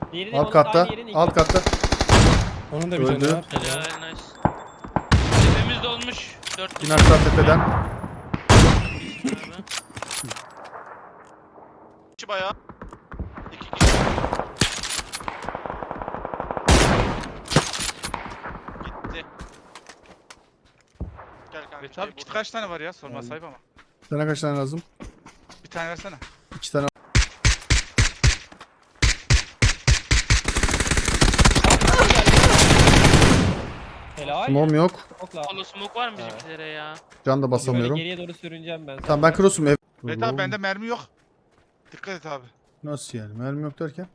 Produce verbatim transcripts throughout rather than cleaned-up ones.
Diğeri de Alt onun katta. aynı yerin ilk Alt katı. katta. Onun da bir Öldü. canı var. Helal nice. Tepemiz dolmuş. Dört İn aşağı tepeden. abi. kişi bayağı. İki kişi. Gitti. Gel kanka. Evet abi kit kaç tane var ya? Sorma sahip ama. Sana kaç tane lazım? Bir tane versene. İki tane. Helal. Mom yok. Okla. Polo smoke var mı bizimkilere ya? Can da Böyle basamıyorum. geriye doğru sürüneceğim ben. Tamam ben cross'um ev. Evet abi bende mermi yok. Dikkat et abi. Nasıl yani? Mermi yok derken?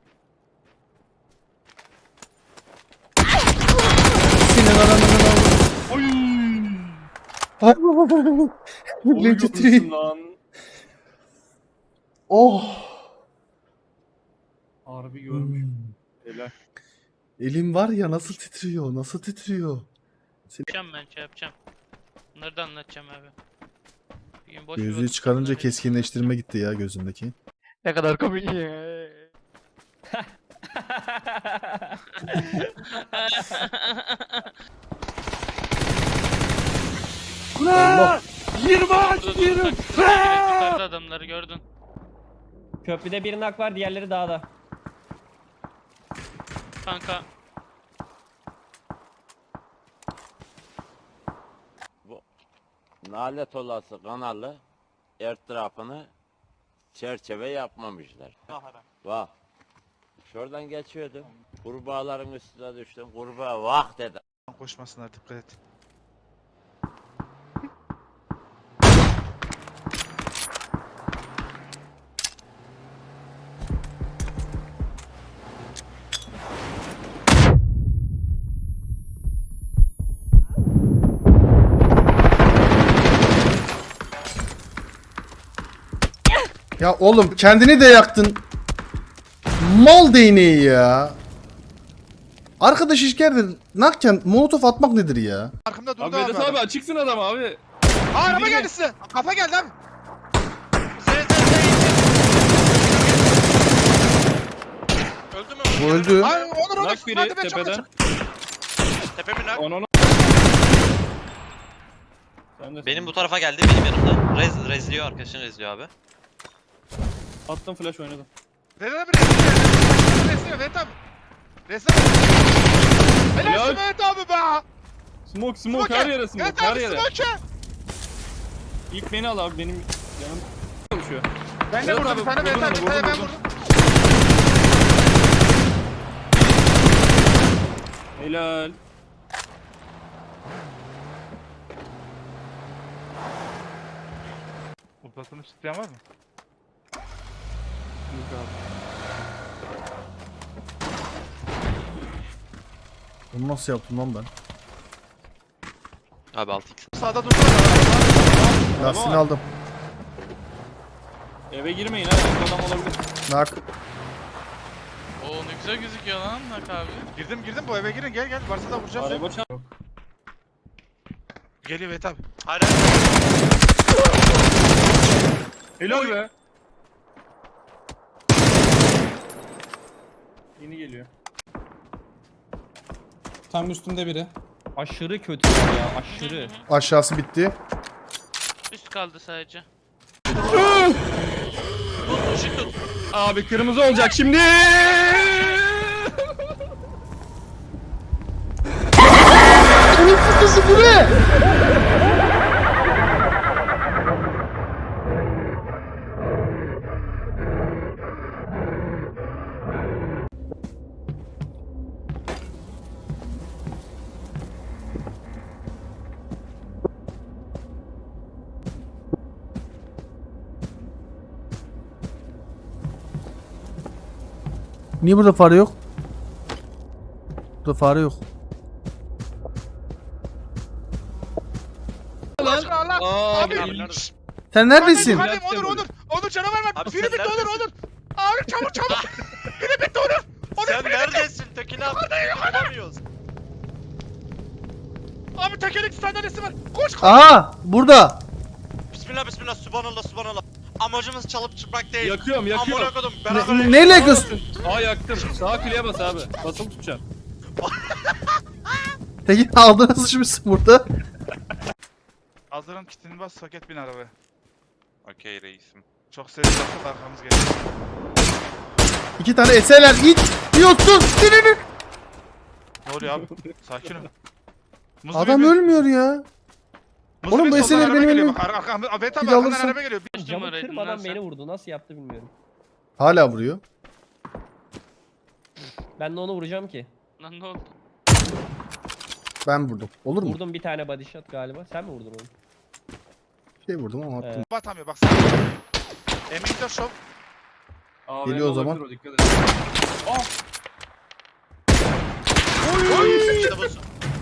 Senin ananın Oy! avradını. Elim titriyor. lan. Oh. Harbi görmüş. Helal. Elim var ya nasıl titriyor? Nasıl titriyor? Yapacağım ben şey yapacağım. Bunları da anlatacağım abi. Bir gün boş bir Gözlüğü vakit çıkarınca bunları- keskinleştirme gitti ya gözümdeki. Ne kadar komik ya. Allah. yirmi aç yirmi. Yukarıda adamları gördün. Köprüde bir nak var, diğerleri dağda. Kanka. Nalet olası kanalı etrafını çerçeve yapmamışlar. Vah. Şuradan geçiyordum. Kurbağaların üstüne düştüm. Kurbağa vah dedi. Koşmasınlar dikkat et. Ya oğlum kendini de yaktın. Mal değneği ya. Arkadaş işkerde nakken molotof atmak nedir ya? Arkamda durdu Abi abi. Vedat adam. abi açıksın adam abi. Aa, araba Biri geldi mi? size. Kafa geldi abi. Z Z Z. Öldü mü? Bu öldü. Ay Onur Onur. Nak biri Hadi be, çok tepeden. açık. Tepemin nak. Onu onu. Sen de Benim bu tarafa geldi, benim yanımda. Rez, rezliyor, arkadaşın rezliyor abi. attım flash oynadım. Vedat abi resmi. Resmi Vedat abi. Resmi. Helal Helal. olsun Vedat abi be. Smoke smoke her yere smoke Vedat her abi yere. smoke. İlk beni al abi benim yanım çalışıyor. Ben de Vedat vurdum bir abi, tane Vedat abi. vurdum, Bir tane ben vurdum, vurdum. Helal. Ultrasını isteyen var mı? Yok abi. Bunu nasıl yaptım lan ben? Abi altı x. Sağda durdu. Lastiğini var. aldım. Eve girmeyin ha. Adam olabilir. Nak. Oo ne güzel gözüküyor lan Nak abi. Girdim girdim bu eve girin gel gel. Varsa da vuracağım seni. Araba çarp. Geliyor Vedat abi. Hayır. Helal be. Yeni geliyor. Tam üstümde biri. Aşırı kötü ya, aşırı. Aşağısı bitti. Üst kaldı sadece. Abi kırmızı olacak şimdi. Niye burada fare yok? Burada fare yok. Allah Allah. Aa, Abi. Abi nerede? Sen neredesin? Hadi Onur Onur. Onur canavar var. Abi Biri sen bitti Onur neredesin? Onur. Abi çabuk çabuk. Biri bitti Onur. Onur Sen biri bitti. neredesin? Tekini al. Bulamıyoruz. Abi tekerlekli sandalyesi var. Koş koş. Aha burada. Bismillah bismillah subhanallah subhanallah. amacımız çalıp çıkmak değil. Yakıyorum yakıyorum. Amına kodum. Beraber Ne, neyle göz? Aa yaktım. Sağ kuleye bas abi. Basılı tutacaksın. Peki aldınız şimdi burada. Hazırım, kitini bas, soket bin arabaya. Okey reisim. Çok ses yaptık, arkamız geliyor. İki tane eserler it diyorsun. Dirinin. Ne oluyor abi? Sakin ol. Muzlu Adam bir- ölmüyor ya. Muzlu Oğlum bir bu soldan eserler araba benim geliyor. elim- Bak, ar- arkamda, Ahmet abi Bir de arkadan alırsın. araba geliyor. Kaç Camı numaraydın lan kırmadan sen? beni vurdu. Nasıl yaptı bilmiyorum. Hala vuruyor. Ben de onu vuracağım ki. Lan ne oldu? Ben vurdum. Olur mu? Vurdum bir tane body shot galiba. Sen mi vurdun onu? Şey vurdum ama attım. Evet. Batamıyor bak. Sana. Emektar Show. Aa, Geliyor o zaman. olabilir dikkat et. İşte bu.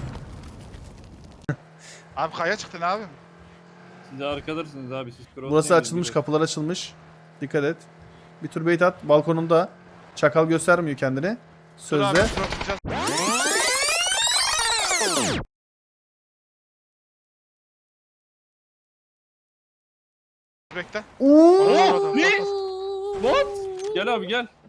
Abi kaya çıktı ne abi? Siz arkadarsınız abi siz cross Burası lane'iniz açılmış, gibi. kapılar açılmış. Dikkat et. Bir tur bait at. Balkonunda. Çakal göstermiyor kendini. Dur abi, Sözde. bırakacağız. Bekle. Oo! Orada, orada, Ne? orada. What? Gel abi gel.